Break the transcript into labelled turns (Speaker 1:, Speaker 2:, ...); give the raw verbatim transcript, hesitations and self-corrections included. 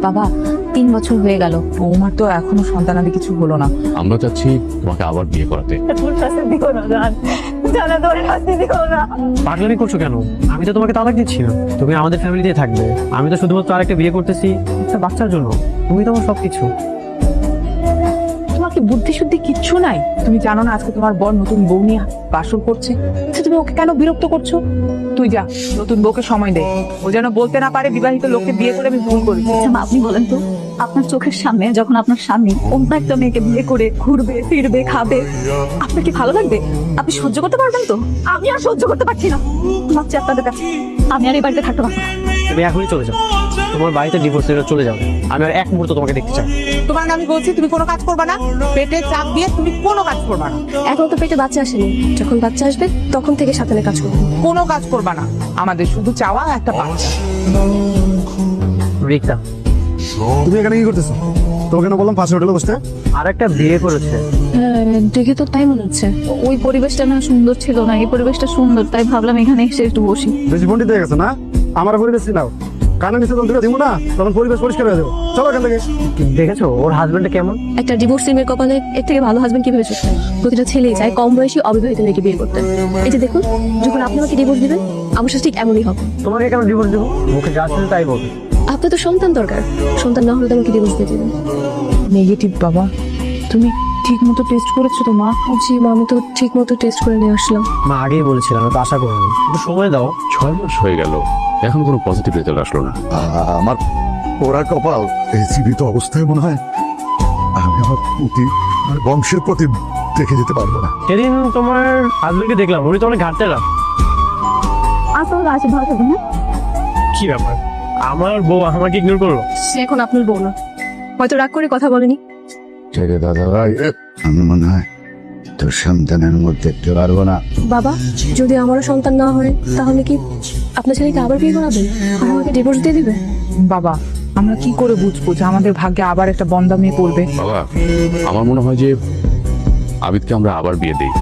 Speaker 1: বাবা তিন বছর হয়ে গেল,
Speaker 2: বৌমার তো এখনো সন্তানাদি কিছু হলো না।
Speaker 3: আমরা চাচ্ছি তোমাকে আবার বিয়ে করাতে।
Speaker 4: পাগলামি করছো কেন? আমি তো তোমাকে তালাক দিচ্ছি না, তুমি আমাদের ফ্যামিলিতে থাকবে। আমি তো শুধুমাত্র আরেকটা বিয়ে করতেছি একটা বাচ্চার জন্য। তুমি তো আমার সবকিছু।
Speaker 2: তোমার কি বুদ্ধি শুদ্ধি কিচ্ছু নাই? তুমি জানো না আজকে তোমার বর নতুন বউ নিয়ে বাসর করছে? আচ্ছা, তুমি ওকে কেন বিরক্ত করছো? তুই যা, নতুন বউকে সময় দে। ও যেন বলতে না পারে বিবাহিত লোককে বিয়ে করে আমি ভুল করেছি।
Speaker 1: আচ্ছা মা, আপনি বলেন তো, আপনার চোখের সামনে যখন আপনার স্বামী অন্য একটা মেয়েকে বিয়ে করে ঘুরবে ফিরবে খাবে, আপনার কি ভালো লাগবে? আপনি সহ্য করতে পারবেন তো? আমি আর সহ্য করতে পারছি না। ভাবছি আপনাদের কাছে আমি আর এই বাড়িতে থাকতে পারবো না।
Speaker 4: তুমি এখনই চলে যাও, তোমার বাড়িতে ডিভোর্স লেটার চলে যাবে। আমি আর এক মুহূর্ত তোমাকে দেখতে চাই।
Speaker 2: তোমার আমি বলছি তুমি কোনো কাজ করবা না, পেটে চাপ দিয়ে তুমি কোনো কাজ করবা না।
Speaker 5: এখন তো পেটে বাচ্চা আসেনি, যখন বাচ্চা আসবে তখন থেকে সাথে কাজ করবো।
Speaker 2: কোনো কাজ করবা না, আমাদের শুধু চাওয়া একটা বাচ্চা।
Speaker 4: রিক্তা,
Speaker 6: তুমি এখানে কি করতেছো? তোমাকে না বললাম পাশে হোটেলে বসতে?
Speaker 4: আর একটা বিয়ে করেছে।
Speaker 1: হ্যাঁ, দেখে তো তাই মনে হচ্ছে। ওই পরিবেশটা না সুন্দর ছিল না, এই পরিবেশটা সুন্দর, তাই ভাবলাম এখানে এসে একটু বসি।
Speaker 6: বেশি ফোনটি দিয়ে গেছে না? আমার পরিবেশ নাও, কানে নিচে যখন দিব না তখন পরিবেশ পরিষ্কার হয়ে যাবে। চলো এখান থেকে।
Speaker 4: দেখেছো ওর হাজবেন্ডটা কেমন?
Speaker 5: একটা ডিভোর্স মেয়ের কপালে এর থেকে ভালো হাজবেন্ড কিভাবে চুক্তি? প্রতিটা ছেলেই চায় কম বয়সী অবিবাহিত মেয়েকে বিয়ে করতে। এই যে দেখুন, যখন আপনি আমাকে ডিভোর্স দিবেন আমার সাথে ঠিক এমনই হবে।
Speaker 4: তোমাকে কেন ডিভোর্স দেবো? মুখে যা ছিল তাই বলবে।
Speaker 5: আপনার তো সন্তান দরকার, সন্তান না হলে তো আমাকে ডিভোর্স দিয়ে দেবেন।
Speaker 2: নেগেটিভ বাবা, তুমি ঠিক মতো টেস্ট করেছো তো মা?
Speaker 5: জি মা, আমি তো ঠিক মতো টেস্ট করে নিয়ে আসলাম।
Speaker 4: মা আগেই বলেছিলাম, আমি তো আশা করিনি। একটু সময় দাও।
Speaker 3: ছয় মাস হয়ে গেল, এখন কোনো পজিটিভ রেজাল্ট আসলো না।
Speaker 6: আ- আমার ওরা কপাল এই জীবিত অবস্থায় মনে হয় আমি আমার প্রতি আমার বংশের প্রতি দেখে যেতে পারবো না।
Speaker 4: সেদিন তোমার হাজবেন্ডকে দেখলাম, উনি তো অনেক ঘাটতে রাখ।
Speaker 1: আসলে আসে ভালো থাকবেন না।
Speaker 4: কি ব্যাপার, আমার বউ আমাকে ইগনোর করলো?
Speaker 5: সে এখন আপনার বউ না, হয়তো রাগ করে কথা বলেনি।
Speaker 6: ছেড়ে দাদা ভাই, আমি মনে হয় তোর সন্তানের মধ্যে দেখতে পারবো না।
Speaker 5: বাবা, যদি আমারও সন্তান না হয় তাহলে কি আপনার ছেলেকে আবার বিয়ে করাবেন আর আমাকে ডিভোর্স দিয়ে দিবে?
Speaker 2: বাবা, আমরা কি করে বুঝবো যে আমাদের ভাগ্যে আবার একটা বন্দা মেয়ে পড়বে?
Speaker 3: বাবা, আমার মনে হয় যে আবিদকে আমরা আবার বিয়ে দেই।